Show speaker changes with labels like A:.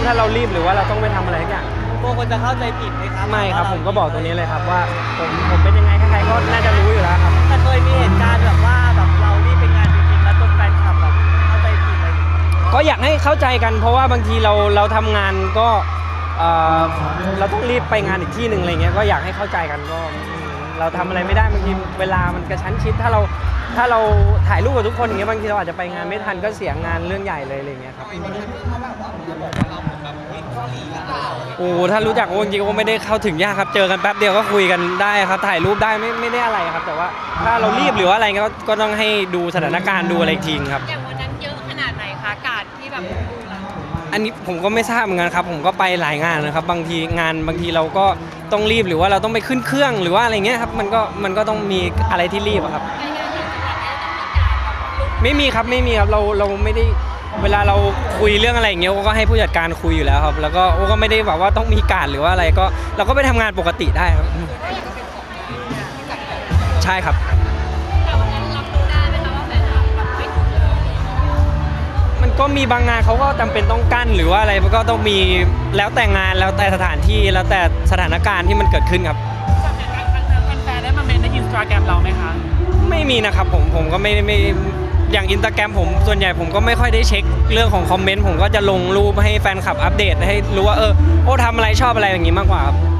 A: ถ้าเรารีบหรือว่าเราต้องไปทำอะไรสักอย่าง
B: กลัวคนจะเข้าใจผิดไหมครับ
A: ไม่ครับผมก็บอกตรงนี้เลยครับว่าผมเป็นยังไงใครๆก็น่าจะรู้อยู่แล้วครับ
B: แต่เคยมีเหตุการณ์แบบว่าแบบเรารีบไปงานจริงๆแล้วจนแฟนคลับแบบเข้าใจผิดอะไรอย่างเงี้ย
A: ก็อยากให้เข้าใจกันเพราะว่าบางทีเราทำงานก็เราต้องรีบไปงานอีกที่หนึ่งอะไรเงี้ยก็อยากให้เข้าใจกันก็เราทำอะไรไม่ได้บางทีเวลามันกระชั้นชิดถ้าเราถ่ายรูปกับทุกคนอย่างเงี้ยบางทีเราอาจจะไปงานไม่ทันก็เสียงานเรื่องใหญ่เลยอะไรเงี้ยครับโอ้ถ้ารู้จักจริงๆก็ไม่ได้เข้าถึงยากครับเจอกันแป๊บเดียวก็คุยกันได้ครับถ่ายรูปได้ไม่ได้อะไรครับแต่ว่าถ้าเรารีบหรือว่าอะไรก็ต้องให้ดูสถานการณ์ดูอะไรทีครับ
C: อย่างวันนั้นเยอะขนาดไหนคะการที่แบบดูเรา
A: อันนี้ผมก็ไม่ทราบเหมือนกันครับผมก็ไปหลายงานนะครับบางทีเราก็ต้องรีบหรือว่าเราต้องไปขึ้นเครื่องหรือว่าอะไรเงี้ยครับมันก็ต้องมีอะไรที่รีบอะครับ
C: ไปงานที่จังหวัดเนี่ยต้องมีการแบบลุก
A: ไม่มีครับเราไม่ได้เวลาเราคุยเรื่องอะไรอย่างเงี้ยก็ให้ผู้จัดการคุยอยู่แล้วครับแล้วก็ก็ไม่ได้แบบว่าต้องมีการหรือว่าอะไรก็เราก็ไปทำงานปกติได้ครับใช่ครับ
C: แต่วันนั้นรับรู้ได้ไหมคะว่าแฟนคลับแบบไม่ถูกเลย
A: มันก็มีบางงานเขาก็จำเป็นต้องกั้นหรือว่าอะไรมันก็ต้องมีแล้วแต่งานแล้วแต่สถานที่แล้วแต่สถานการณ์ที่มันเกิดขึ้นครับ
C: จากเหตุการณ์ครั้งนั้นแฟนๆได้มาเมนใน Instagram เราไหมคะ
A: ไม่มีนะครับผมก็ไม่อย่างอินสตาแกรมผมส่วนใหญ่ผมก็ไม่ค่อยได้เช็คเรื่องของคอมเมนต์ผมก็จะลงรูปให้แฟนคลับอัปเดตให้รู้ว่าโอ้ทำอะไรชอบอะไรอย่างนี้มากกว่าครับ